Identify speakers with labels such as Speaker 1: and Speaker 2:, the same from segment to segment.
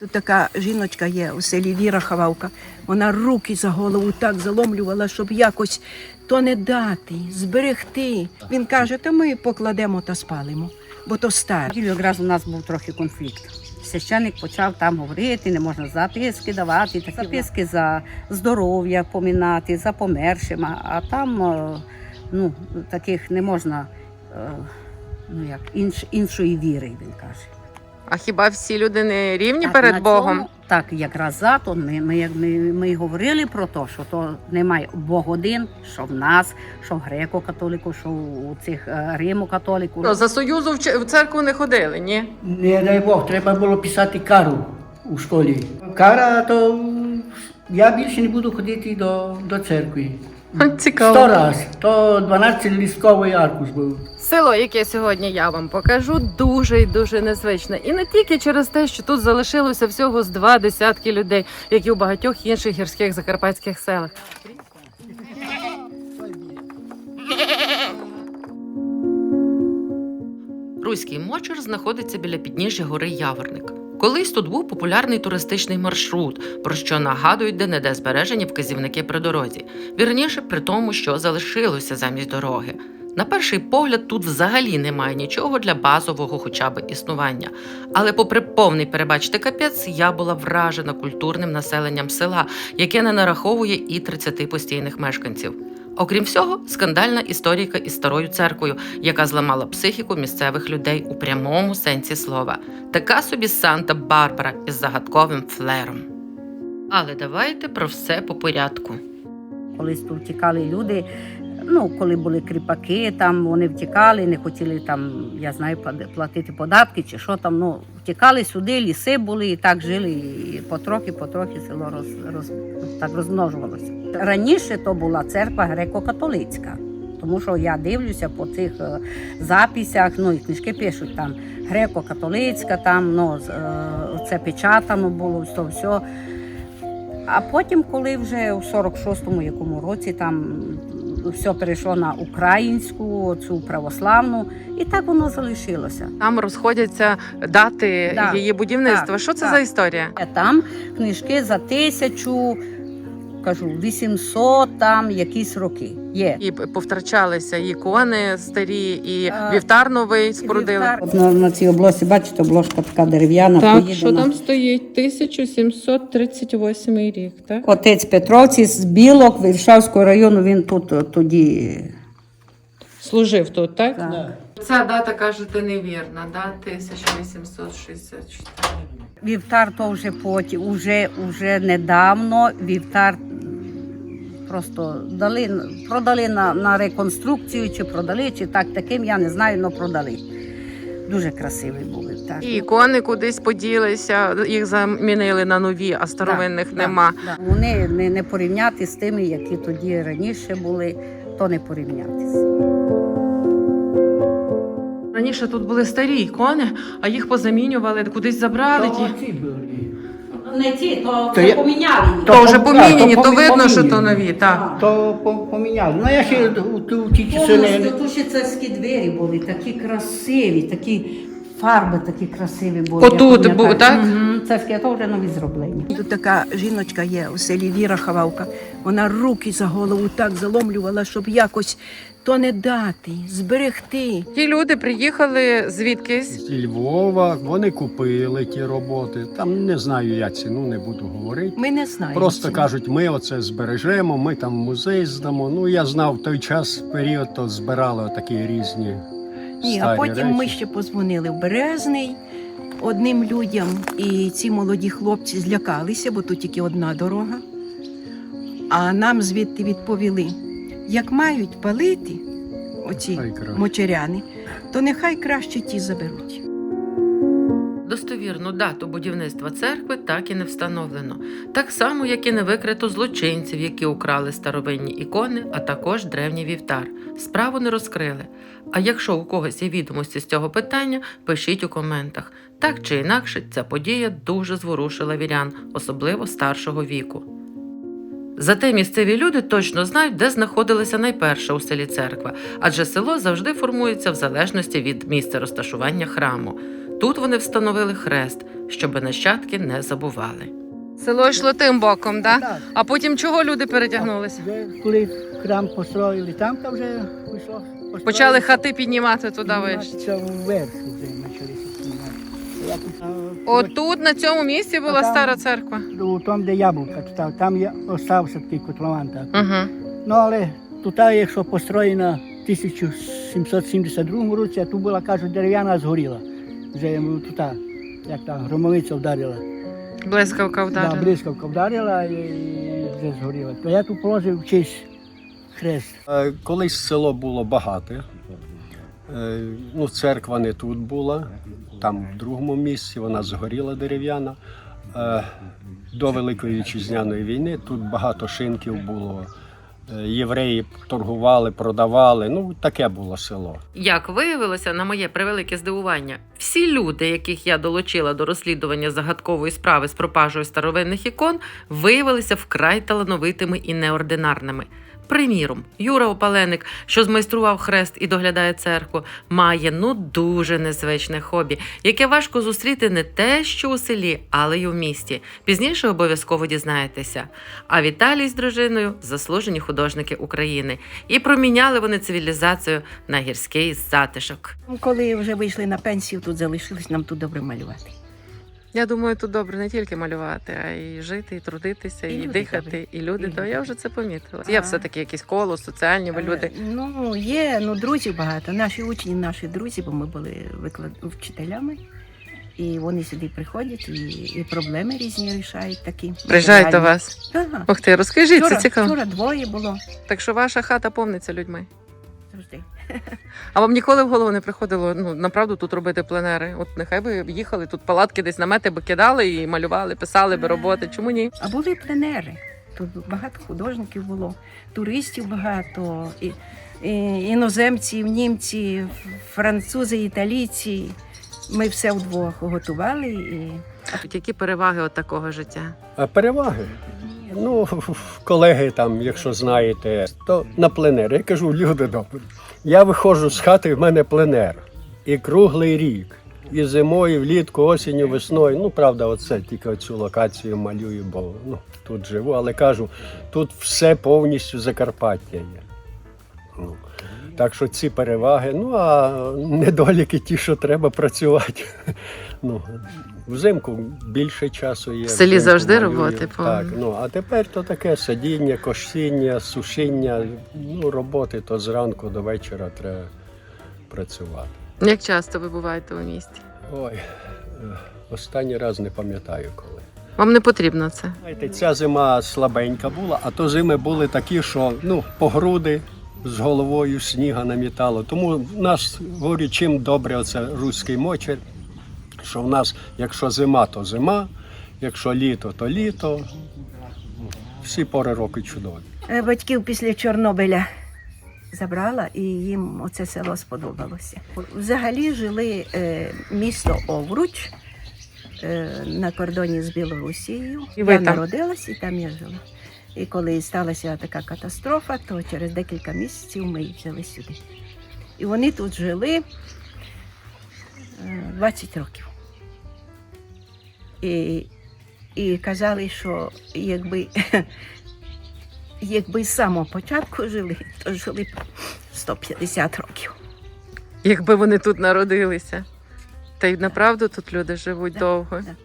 Speaker 1: Тут така жіночка є у селі Віра Хававка. Вона руки за голову так заломлювала, щоб якось то не дати, зберегти. Він каже, то ми покладемо та спалимо, бо то старе.
Speaker 2: Якраз у нас був трохи конфлікт. Священник почав там говорити, не можна записки давати, записки за здоров'я помінати, за помершим, а там таких не можна іншої віри, він каже.
Speaker 3: А хіба всі люди не рівні
Speaker 2: Так,
Speaker 3: перед
Speaker 2: на
Speaker 3: Богом?
Speaker 2: цьому, так, якраз то ми й говорили про те, що то немає Бог один, що в нас, що в греко-католику, що у цих римо-католику.
Speaker 3: За Союзу в церкву не ходили, ні?
Speaker 4: Не дай Бог, треба було писати кару у школі. Кара, то я більше не буду ходити до церкви.
Speaker 3: Цікаво.
Speaker 4: 100 раз, то 12-листковий аркуш був.
Speaker 3: Село, яке сьогодні я вам покажу, дуже і дуже незвичне. І не тільки через те, що тут залишилося всього з 20 людей, як і у багатьох інших гірських закарпатських селах. Руський Мочер знаходиться біля підніжжя гори Яворник. Колись тут був популярний туристичний маршрут, про що нагадують де-не-де збережені вказівники при дорозі. Вірніше, при тому, що залишилося замість дороги. На перший погляд, тут взагалі немає нічого для базового хоча б існування. Але попри повний, перебачте, капець, я була вражена культурним населенням села, яке не нараховує і 30 постійних мешканців. Окрім всього, скандальна історійка із старою церквою, яка зламала психіку місцевих людей у прямому сенсі слова. Така собі Санта-Барбара із загадковим флером. Але давайте про все по порядку.
Speaker 2: Колись тут втікали люди, коли були кріпаки, там вони втікали, не хотіли там, я знаю, платити податки чи що там, втікали сюди, ліси були і так жили, і потрохи село так розмножувалося. Раніше то була церква греко-католицька, тому що я дивлюся по цих записях, і книжки пишуть там греко-католицька, там, це печатано було, все. А потім, коли вже у 46-му якому році там все перейшло на українську, цю православну, і так воно залишилося.
Speaker 3: Там розходяться дати її будівництва. Що це за історія?
Speaker 2: Там книжки за 800 там якісь роки є.
Speaker 3: І повтрачалися і ікони старі, і вівтар новий спорудили.
Speaker 2: На цій обложці, бачите, обложка така дерев'яна.
Speaker 3: Так, що там стоїть? 1738 рік, так?
Speaker 2: Отець Петровці з Білок, Віршавського району, він тут тоді
Speaker 3: Служив тут, так?
Speaker 2: Так.
Speaker 3: Ця дата, кажете, невірна, 1864.
Speaker 2: Вівтар то вже потім, уже недавно вівтар просто продали на реконструкцію, чи продали, чи таким, я не знаю, але продали. Дуже красивий був вівтар.
Speaker 3: І ікони кудись поділися, їх замінили на нові, а старовинних нема.
Speaker 2: Вони не порівняти з тими, які тоді раніше були, то не порівнятися.
Speaker 3: Раніше тут були старі ікони, а їх позамінювали, кудись забрали.
Speaker 4: Ці були.
Speaker 2: Не ті, то
Speaker 4: я-
Speaker 2: поміняли.
Speaker 3: То вже поміняні,
Speaker 4: то
Speaker 3: то видно, що то
Speaker 4: поміняні.
Speaker 3: нові, так.
Speaker 4: То поміняли. Я ще у ті часи не...
Speaker 2: Тут ще царські двері були, такі красиві, такі фарби такі красиві були.
Speaker 3: Отут
Speaker 2: я пам'ятаю.
Speaker 3: був, так?
Speaker 2: Царські, а то вже нові зроблені.
Speaker 1: Тут така жіночка є у селі Віра Хававка. Вона руки за голову так заломлювала, щоб якось то не дати, зберегти.
Speaker 3: Ті люди приїхали звідкись.
Speaker 5: З Львова, вони купили ті роботи. Там не знаю я ціну, не буду говорити.
Speaker 1: Ми не знаємо.
Speaker 5: Просто
Speaker 1: цього.
Speaker 5: кажуть, ми оце збережемо, ми там в музей здамо. Я знав в той час, період, то збирали такі різні
Speaker 1: Ні, а
Speaker 5: старі
Speaker 1: потім ми
Speaker 5: речі.
Speaker 1: ще подзвонили в Березний одним людям, і ці молоді хлопці злякалися, бо тут тільки одна дорога. А нам звідти відповіли, як мають палити оці
Speaker 5: Хай краще.
Speaker 1: мочеряни, то нехай краще ті заберуть.
Speaker 3: Достовірну дату будівництва церкви так і не встановлено. Так само, як і не викрито злочинців, які украли старовинні ікони, а також древній вівтар. Справу не розкрили. А якщо у когось є відомості з цього питання, пишіть у коментах. Так чи інакше, ця подія дуже зворушила вірян, особливо старшого віку. Зате місцеві люди точно знають, де знаходилася найперша у селі церква, адже село завжди формується в залежності від місця розташування храму. Тут вони встановили хрест, щоби нащадки не забували. Село йшло тим боком, так?
Speaker 4: Так.
Speaker 3: А потім чого люди перетягнулися?
Speaker 4: Вже коли храм построїли, там вже вийшло.
Speaker 3: Почали хати піднімати туди вище.
Speaker 4: Це вверх вже почалися піднімати.
Speaker 3: Отут, на цьому місці була
Speaker 4: А там-
Speaker 3: стара церква.
Speaker 4: У тому, де яблука, там є, остався такий котлован. Так.
Speaker 3: Угу.
Speaker 4: Ну, але тут, якщо построєна в 1772 році, а тут була, кажуть, дерев'яна, згоріла. Вже тут, як та громовиця вдарила.
Speaker 3: Блискавка вдарила.
Speaker 4: Да, блискавка вдарила і вже згоріла. То я тут положив в честь хрест.
Speaker 5: Колись село було багате. Ну, церква не тут була, там в другому місці, вона згоріла дерев'яна. До Великої Вітчизняної війни тут багато шинків було. Євреї торгували, продавали. Ну, таке було село.
Speaker 3: Як виявилося, на моє превелике здивування, всі люди, яких я долучила до розслідування загадкової справи з пропажею старовинних ікон, виявилися вкрай талановитими і неординарними. Приміром, Юра Опаленик, що змайстрував хрест і доглядає церкву, має дуже незвичне хобі, яке важко зустріти не те, що у селі, але й у місті. Пізніше обов'язково дізнаєтеся. А Віталій з дружиною – заслужені художники України. І проміняли вони цивілізацію на гірський затишок.
Speaker 1: Коли вже вийшли на пенсію, тут залишилось нам тут добре малювати.
Speaker 3: Я думаю, тут добре не тільки малювати, а й жити, і трудитися,
Speaker 1: І
Speaker 3: і
Speaker 1: люди
Speaker 3: дихати,
Speaker 1: добрі.
Speaker 3: і люди.
Speaker 1: І
Speaker 3: То
Speaker 1: люди.
Speaker 3: я вже це помітила.
Speaker 1: Ага.
Speaker 3: Є все-таки якісь коло, соціальні ви люди.
Speaker 1: Ну, є, друзів багато. Наші учні, наші друзі, бо ми були вчителями. І вони сюди приходять і проблеми різні рішають такі.
Speaker 3: Приїжджають до
Speaker 1: Реальні.
Speaker 3: вас.
Speaker 1: Так.
Speaker 3: Ух ти, розкажіть, це
Speaker 1: Вчора,
Speaker 3: цікаво.
Speaker 1: вчора двоє було.
Speaker 3: Так що ваша хата повниться людьми.
Speaker 1: Завжди.
Speaker 3: А вам ніколи в голову не приходило, направду тут робити пленери? От нехай би їхали, тут палатки десь намети би кидали і малювали, писали би роботи. Чому ні?
Speaker 1: А були пленери. Тут багато художників було, туристів багато, іноземців, німці, французи, італійці. Ми все вдвох готували.
Speaker 3: А тут які переваги от такого життя?
Speaker 5: А переваги? Ну, колеги там, якщо знаєте, то на пленер. Я кажу, люди добрі. Я виходжу з хати, в мене пленер. І круглий рік. І зимою, і влітку, осінню, весною. Ну, правда, оце тільки цю локацію малюю, бо тут живу. Але кажу, тут все повністю Закарпаття є. Ну, так що ці переваги, а недоліки ті, що треба працювати. Взимку більше часу є.
Speaker 3: В селі
Speaker 5: взимку
Speaker 3: завжди
Speaker 5: малюю.
Speaker 3: роботи
Speaker 5: Так,
Speaker 3: повно.
Speaker 5: а тепер то таке садіння, косіння, сушіння, роботи то зранку до вечора треба працювати.
Speaker 3: Як часто ви буваєте у місті?
Speaker 5: Ой, останній раз не пам'ятаю коли.
Speaker 3: Вам не потрібно це?
Speaker 5: Знаєте, ця зима слабенька була, а то зими були такі, що по груди з головою сніга намітало. Тому в нас, говорю, чим добре оце руський мочер, що в нас, якщо зима, то зима, якщо літо, то літо. Всі пори року чудові.
Speaker 1: Батьків після Чорнобиля забрала, і їм оце село сподобалося. Взагалі жили місто Овруч на кордоні з Білорусією.
Speaker 3: І ви
Speaker 1: Я
Speaker 3: там?
Speaker 1: народилась, і там я жила. І коли сталася така катастрофа, то через декілька місяців ми їх взяли сюди. І вони тут жили 20 років. І казали, що якби з самого початку жили, то жили б 150 років.
Speaker 3: Якби вони тут народилися. Та й направду тут люди живуть
Speaker 1: Да,
Speaker 3: довго.
Speaker 1: да.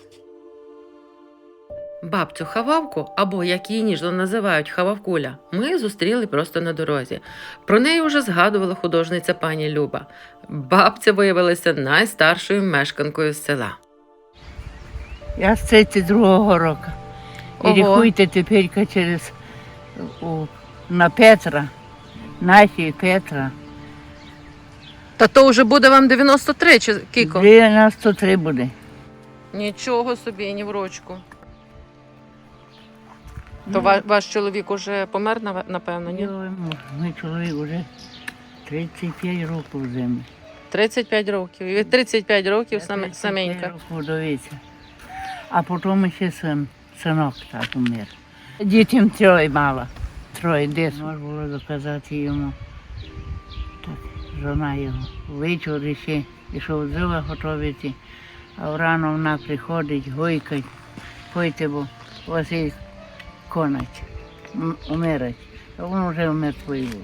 Speaker 3: Бабцю Хававку, або як її ніжно називають Хававкуля, ми зустріли просто на дорозі. Про неї вже згадувала художниця пані Люба. Бабця виявилася найстаршою мешканкою села.
Speaker 6: Я з 32-го року. І
Speaker 3: Ого.
Speaker 6: рахуйте тепер через на Петра, наші Петра.
Speaker 3: Та то вже буде вам 93 чи кіко?
Speaker 6: 93 буде.
Speaker 3: Нічого собі, ні в рочку. То
Speaker 6: Ну,
Speaker 3: ваш чоловік уже помер, напевно, ні?
Speaker 6: Мій чоловік вже 35 років в землі.
Speaker 3: 35 років. І ви 35 років саменька.
Speaker 6: Вдовиця. А потім ще синок так умер. Дітям троє мала. Троє десь. Можна було доказати йому. Так, жона його. Ввечері ще ішов дрова готувати, а рано вона приходить, гойкать, пойте, бо у вас є конець, умирать. А він вже мертвий був.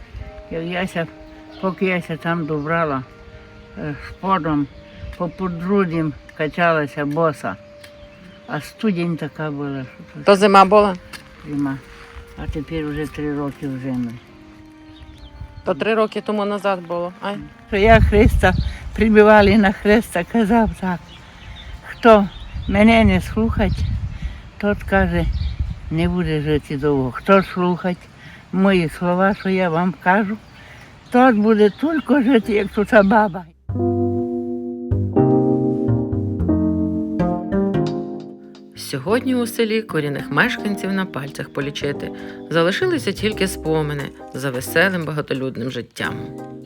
Speaker 6: Поки яся там добрала, сподом по подрудям качалася боса, а студень така була, що
Speaker 3: То зима була?
Speaker 6: зима. А тепер вже 3 роки в землі.
Speaker 3: То 3 роки тому назад було. Ай.
Speaker 6: Що я Христа прибивали на хреста, казав так, хто мене не слухать, тот каже, не буде жити довго. Хто слухать мої слова, що я вам кажу, тот буде тільки жити, як тут баба.
Speaker 3: Сьогодні у селі корінних мешканців на пальцях полічити. Залишилися тільки спомини за веселим багатолюдним життям.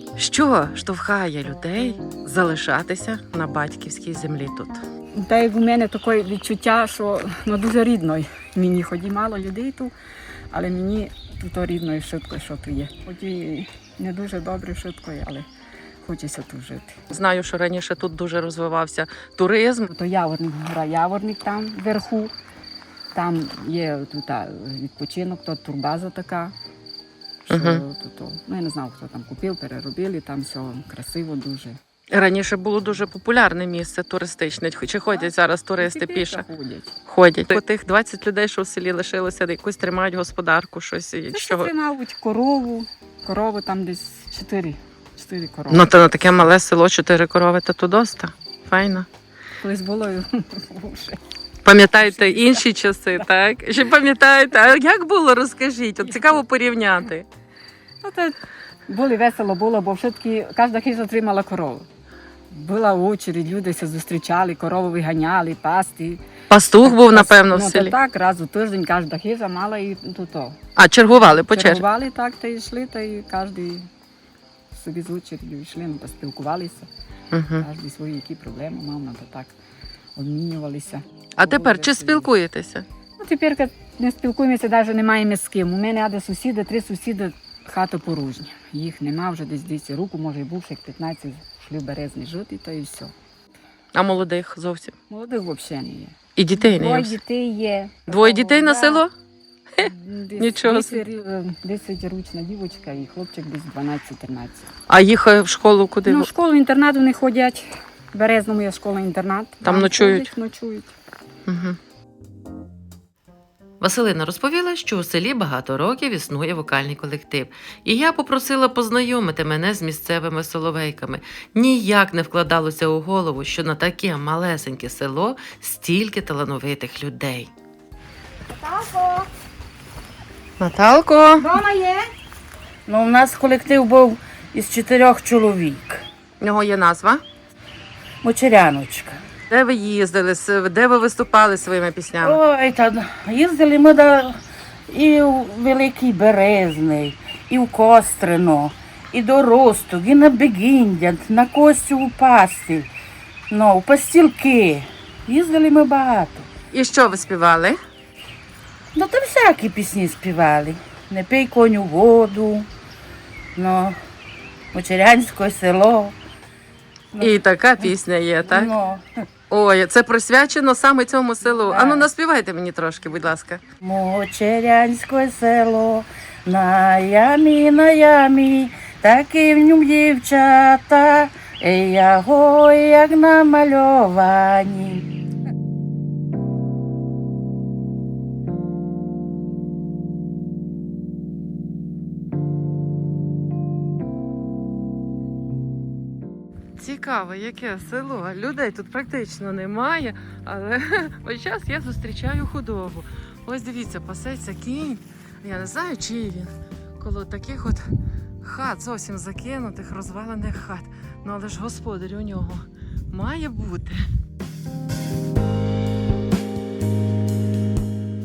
Speaker 3: Що штовхає людей залишатися на батьківській землі тут?
Speaker 7: Та як у мене таке відчуття, що дуже рідно мені, хоч і мало людей тут, але мені тут рідно і швидко, що тут є. Хоч і не дуже добре швидко, але хочеться тут жити.
Speaker 3: Знаю, що раніше тут дуже розвивався туризм.
Speaker 7: То Яворник, гора Яворник там вверху, там є тут відпочинок, то турбаза така. Що тут, ну, я не знав, хто там купив, переробили, там все красиво дуже.
Speaker 3: Раніше було дуже популярне місце туристичне. Чи ходять зараз туристи
Speaker 7: Тепер
Speaker 3: піше?
Speaker 7: ходять.
Speaker 3: Ходять. У тих 20 людей, що в селі лишилося, якусь тримають господарку, щось.
Speaker 7: Це
Speaker 3: Чого?
Speaker 7: ще мабуть, корову там десь 4 корови.
Speaker 3: Ну, то на таке мале село 4 корови, то доста. Файно.
Speaker 7: Колись було вже.
Speaker 3: Пам'ятаєте інші часи, так? Ще пам'ятаєте? А як було, розкажіть? От цікаво порівняти.
Speaker 7: Ну, то було весело було, бо все-таки кожна хижа отримала корову. Була очередь, люди се зустрічали, корову виганяли, пасти.
Speaker 3: Пастух був, напевно, в
Speaker 7: Ну,
Speaker 3: селі.
Speaker 7: то так, раз у тиждень кожна хижа мала і то.
Speaker 3: А, чергували по черзі?
Speaker 7: Чергували так, та йшли, та і кожен собі з очередю йшли, ну, поспілкувалися.
Speaker 3: Угу.
Speaker 7: Кожен свої які проблеми мав, ну, то так обмінювалися.
Speaker 3: А тепер чи спілкуєтеся?
Speaker 7: Ну, тепер не спілкуємося, навіть не маємо з ким. У мене аде сусіди, 3 сусіди, хата порожня. Їх нема вже десь руку, може і був, як 15, йшли в березні жити, то і все.
Speaker 3: А молодих зовсім?
Speaker 7: Молодих взагалі не є.
Speaker 3: І дітей не
Speaker 7: Двоє
Speaker 3: є?
Speaker 7: дітей є.
Speaker 3: 2 дітей на
Speaker 7: Да.
Speaker 3: село?
Speaker 7: Десь
Speaker 3: Нічого
Speaker 7: 10-річна дівчинка і хлопчик десь 12-13.
Speaker 3: А їх в школу куди?
Speaker 7: Ну, в школу-інтернат вони ходять. В Березному є школа-інтернат.
Speaker 3: Там ночують?
Speaker 7: Ходять, ночують.
Speaker 3: Угу. Василина розповіла, що у селі багато років існує вокальний колектив. І я попросила познайомити мене з місцевими соловейками. Ніяк не вкладалося у голову, що на таке малесеньке село стільки талановитих людей. Наталко!
Speaker 7: Дома є?
Speaker 2: Ну, у нас колектив був із 4 чоловік.
Speaker 3: У нього є назва.
Speaker 2: Мочеряночка.
Speaker 3: Де ви їздили, де ви виступали своїми піснями?
Speaker 2: Ой, та їздили ми і у Великий Березний, і в Кострино, і до Росток, і на Бегіндя, на Костю Пастіль, ну, у Пастілки. Їздили ми багато.
Speaker 3: І що ви співали?
Speaker 2: Ну, там всякі пісні співали. Не пий коню воду, ну, Мочерянське село.
Speaker 3: І така пісня є, так?
Speaker 2: Ну,
Speaker 3: Ой, це присвячено саме цьому селу.
Speaker 2: Так.
Speaker 3: Ану, наспівайте мені трошки, будь ласка.
Speaker 2: Мочерянське село, на ямі, такі в ньому дівчата, яго, як намальовані.
Speaker 3: Цікаво, яке село. Людей тут практично немає, але весь час я зустрічаю худобу. Ось дивіться, пасеться кінь. Я не знаю, чий він. Коло таких от хат зовсім закинутих, розвалених хат. Ну але ж господар у нього має бути.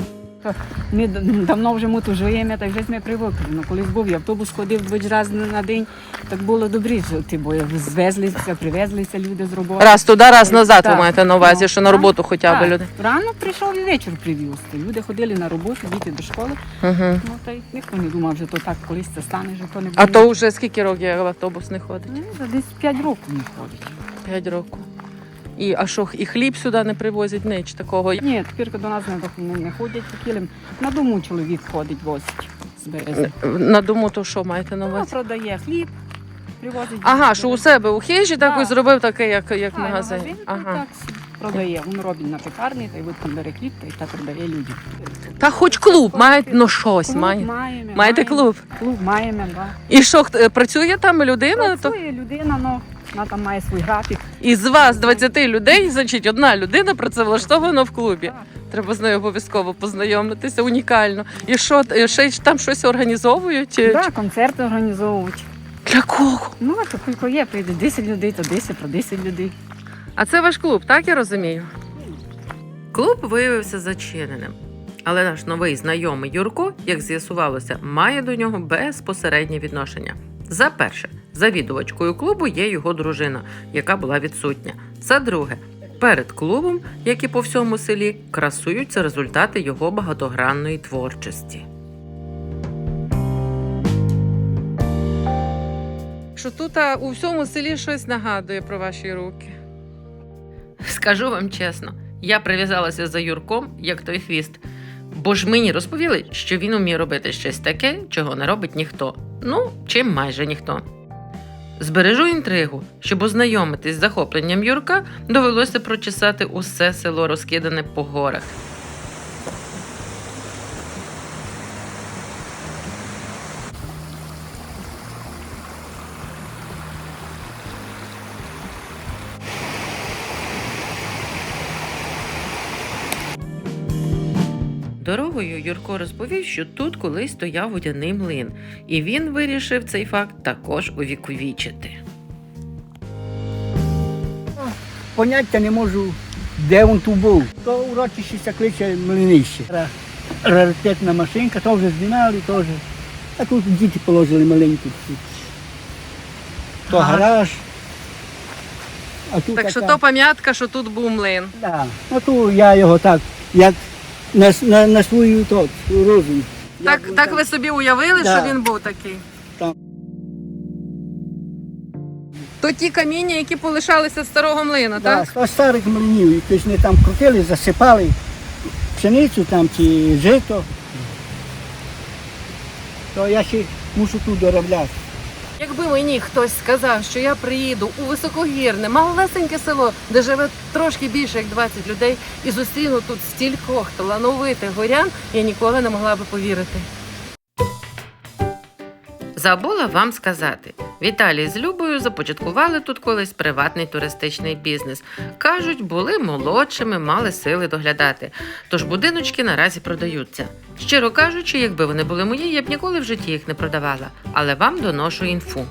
Speaker 7: То ми давно вже ми тут живемо, так вже ми привикли. Ну, колись був і автобус ходив 2 рази на день, так було добре жити, бо звезлися, привезлися люди з роботи.
Speaker 3: Раз туди, раз назад ви
Speaker 7: Так,
Speaker 3: маєте на увазі,
Speaker 7: ну,
Speaker 3: що на роботу хоча б
Speaker 7: так.
Speaker 3: люди.
Speaker 7: Рано прийшов і вечір привіз. Люди ходили на роботу, діти до школи.
Speaker 3: Угу.
Speaker 7: Ну, та й ніхто не думав, що то так колись це стане, що то не буде.
Speaker 3: А то вже скільки років як автобус не ходить?
Speaker 7: Ну, вже десь 5 років не ходить.
Speaker 3: 5 років. А що, і хліб сюди не привозять, ніч такого?
Speaker 7: Ні, тепер до нас не ходять кілем. На дому чоловік ходить, возить з березня.
Speaker 3: На дому то що маєте на
Speaker 7: Ну,
Speaker 3: увазі?
Speaker 7: продає хліб, привозить.
Speaker 3: Ага, що у себе у хижі так
Speaker 7: Да.
Speaker 3: ось зробив таке, як
Speaker 7: Так,
Speaker 3: магазин.
Speaker 7: магазин,
Speaker 3: Ага.
Speaker 7: так продає. Він робить на пекарні, та й от бере хліб, та й так продає людям.
Speaker 3: Та хоч клуб маєте, ну щось
Speaker 7: Клуб
Speaker 3: має.
Speaker 7: маємо.
Speaker 3: Маєте клуб?
Speaker 7: Клуб маємо, так.
Speaker 3: І що, працює там людина? То...
Speaker 7: Працює людина, ну, вона там має свій графік.
Speaker 3: Із вас 20 людей, значить, одна людина працевлаштована в клубі.
Speaker 7: Так.
Speaker 3: Треба з нею обов'язково познайомитися, унікально. І що, ще там щось організовують?
Speaker 7: Так, концерти організовують.
Speaker 3: Для кого?
Speaker 7: Ну, а то кілько є, прийде 10 людей, то 10, про 10 людей.
Speaker 3: А це ваш клуб, так я розумію? Клуб виявився зачиненим. Але наш новий знайомий Юрко, як з'ясувалося, має до нього безпосереднє відношення. За перше, завідувачкою клубу є його дружина, яка була відсутня. За друге, перед клубом, як і по всьому селі, красуються результати його багатогранної творчості. Що тут у всьому селі щось нагадує про ваші руки? Скажу вам чесно, я прив'язалася за Юрком, як той хвіст. Бо ж мені розповіли, що він уміє робити щось таке, чого не робить ніхто. Ну, чи майже ніхто. Збережу інтригу. Щоб ознайомитись з захопленням Юрка, довелося прочесати усе село, розкидане по горах. Дорогою Юрко розповів, що тут колись стояв водяний млин, і він вирішив цей факт також увіковічити.
Speaker 4: Поняття не можу, де він тут був. То урочище кличе млинище. Раритетна машинка, то вже знімали, теж. А тут діти положили маленькі. То гараж. А тут
Speaker 3: Так що
Speaker 4: така-
Speaker 3: то пам'ятка, що тут був млин.
Speaker 4: Да. Ну тут я його так, як на свою розум.
Speaker 3: Так ви собі уявили,
Speaker 4: Да.
Speaker 3: що він був такий?
Speaker 4: Так.
Speaker 3: То ті каміння, які полишалися з старого млина,
Speaker 4: Да,
Speaker 3: так?
Speaker 4: з старих млинів, якось не там крутили, засипали пшеницю там чи жито. То я ще мушу тут доробляти.
Speaker 3: Якби мені хтось сказав, що я приїду у високогірне, малесеньке село, де живе трошки більше, як 20 людей, і зустріну тут стількох талановитих горян, я ніколи не могла би повірити. Забула вам сказати. Віталій з Любою започаткували тут колись приватний туристичний бізнес. Кажуть, були молодшими, мали сили доглядати. Тож будиночки наразі продаються. Щиро кажучи, якби вони були мої, я б ніколи в житті їх не продавала. Але вам доношу інфу.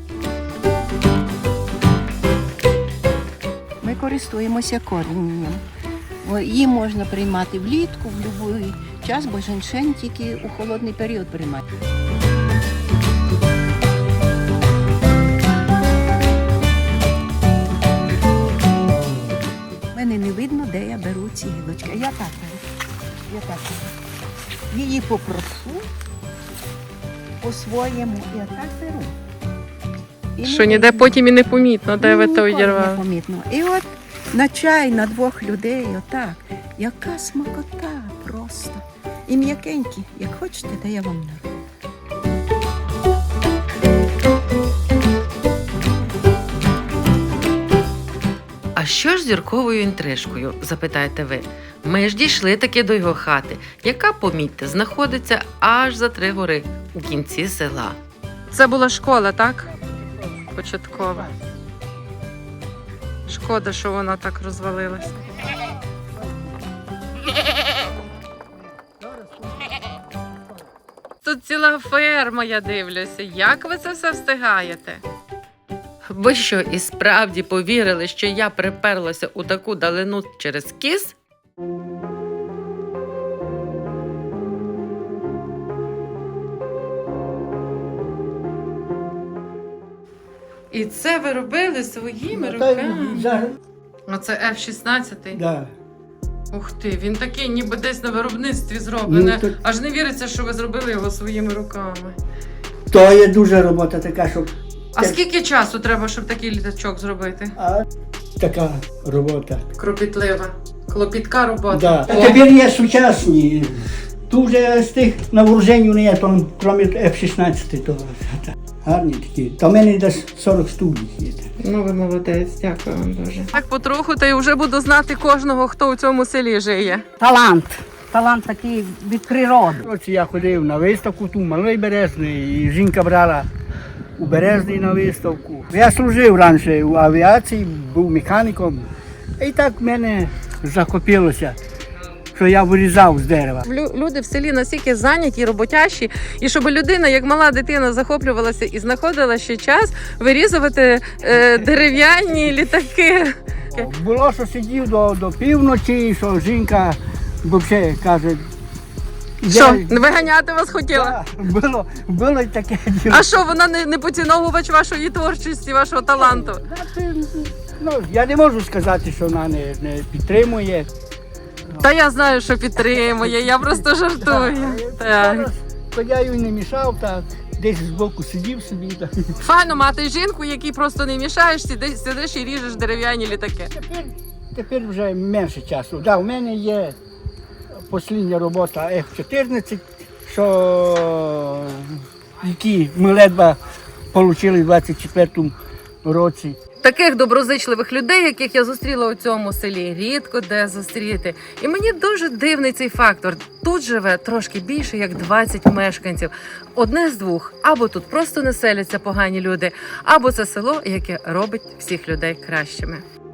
Speaker 1: Ми користуємося корінням. Її можна приймати влітку, в будь-який час, бо женьшень тільки у холодний період приймати. Мене не видно, де я беру ці гілочки. Я так беру. Її попрошу по-своєму. Я так беру. І
Speaker 3: Що
Speaker 1: не
Speaker 3: ніде
Speaker 1: видно.
Speaker 3: потім і не помітно, де ви то
Speaker 1: Ніколи
Speaker 3: відірвали.
Speaker 1: не помітно. І от на чай на 2 людей, отак. Яка смакота просто. І м'якенькі. Як хочете, то я вам нару.
Speaker 3: А що ж з Юрковою інтрижкою, запитаєте ви? Ми ж дійшли таки до його хати, яка, помітьте, знаходиться аж за 3 гори у кінці села. Це була школа, так? Початкова. Шкода, що вона так розвалилась. Тут ціла ферма, я дивлюся. Як ви це все встигаєте? Ви що, і справді повірили, що я приперлася у таку далину через кіс? І це ви робили своїми
Speaker 4: Та й
Speaker 3: руками?
Speaker 4: за-
Speaker 3: Оце F-16?
Speaker 4: Да.
Speaker 3: Ух ти, він такий ніби десь на виробництві зроблений.
Speaker 4: Ну, то-
Speaker 3: Аж не віриться, що ви зробили його своїми руками.
Speaker 4: То є дуже робота така, щоб
Speaker 3: А скільки часу треба, щоб такий літачок зробити?
Speaker 4: така робота.
Speaker 3: Кропітлива. Клопітка робота.
Speaker 4: Да. А тепер є сучасні. Тут вже з тих на вооруженню не є, там, крім F-16, то гарні такі. Та в мене десь 40 штук їх є.
Speaker 3: Ну, ви молодець, дякую вам дуже. Так потроху, та й вже буду знати кожного, хто у цьому селі жиє.
Speaker 2: Талант. Талант такий від природи.
Speaker 4: Ось я ходив на виставку, тут Малий Березний, і жінка брала у Березний на виставку. Я служив раніше у авіації, був механіком. І так в мене захопилося, що я вирізав з дерева.
Speaker 3: Люди в селі настільки зайняті, роботящі, і щоб людина, як мала дитина, захоплювалася і знаходила ще час вирізувати дерев'яні літаки.
Speaker 4: Було, що сидів до півночі, що жінка взагалі каже.
Speaker 3: Що, виганяти вас хотіла?
Speaker 4: Да, було і таке діло.
Speaker 3: А що, вона не поціновувач вашої творчості, вашого таланту?
Speaker 4: Ну, я не можу сказати, що вона не підтримує.
Speaker 3: Та я знаю, що підтримує, я просто жартую. Так.
Speaker 4: То я їй не мішав, так десь збоку сидів собі. Так.
Speaker 3: Файно мати жінку, якій просто не мішаєш, сидиш і ріжеш дерев'яні літаки.
Speaker 4: Тепер вже менше часу. Да, у мене є остання робота F-14, які ми ледве отримали в 24-му році.
Speaker 3: Таких доброзичливих людей, яких я зустріла у цьому селі, рідко де зустріти. І мені дуже дивний цей фактор. Тут живе трошки більше, як 20 мешканців. Одне з двох. Або тут просто не селяться погані люди, або це село, яке робить всіх людей кращими.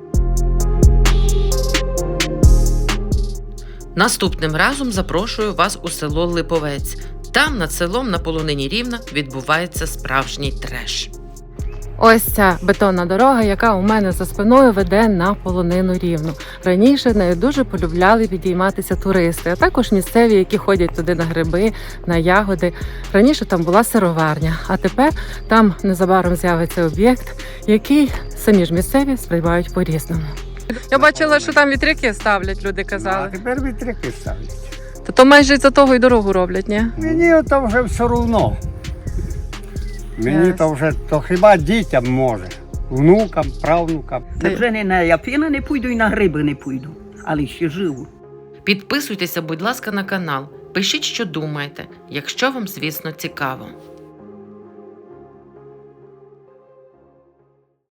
Speaker 3: Наступним разом запрошую вас у село Липовець. Там над селом на полонині Рівна відбувається справжній треш. Ось ця бетонна дорога, яка у мене за спиною веде на полонину Рівну. Раніше нею дуже полюбляли підійматися туристи, а також місцеві, які ходять туди на гриби, на ягоди. Раніше там була сироварня, а тепер там незабаром з'явиться об'єкт, який самі ж місцеві сприймають по-різному. Я бачила, що там вітряки ставлять, люди казали.
Speaker 5: тепер вітряки ставлять.
Speaker 3: То майже за того й дорогу роблять, ні?
Speaker 5: Мені то вже все одно. Мені то вже, то хіба дітям може. Внукам, правнукам.
Speaker 6: Вже не на Япіна не пойду і на гриби не пойду, але ще живу.
Speaker 3: Підписуйтеся, будь ласка, на канал. Пишіть, що думаєте, якщо вам, звісно, цікаво.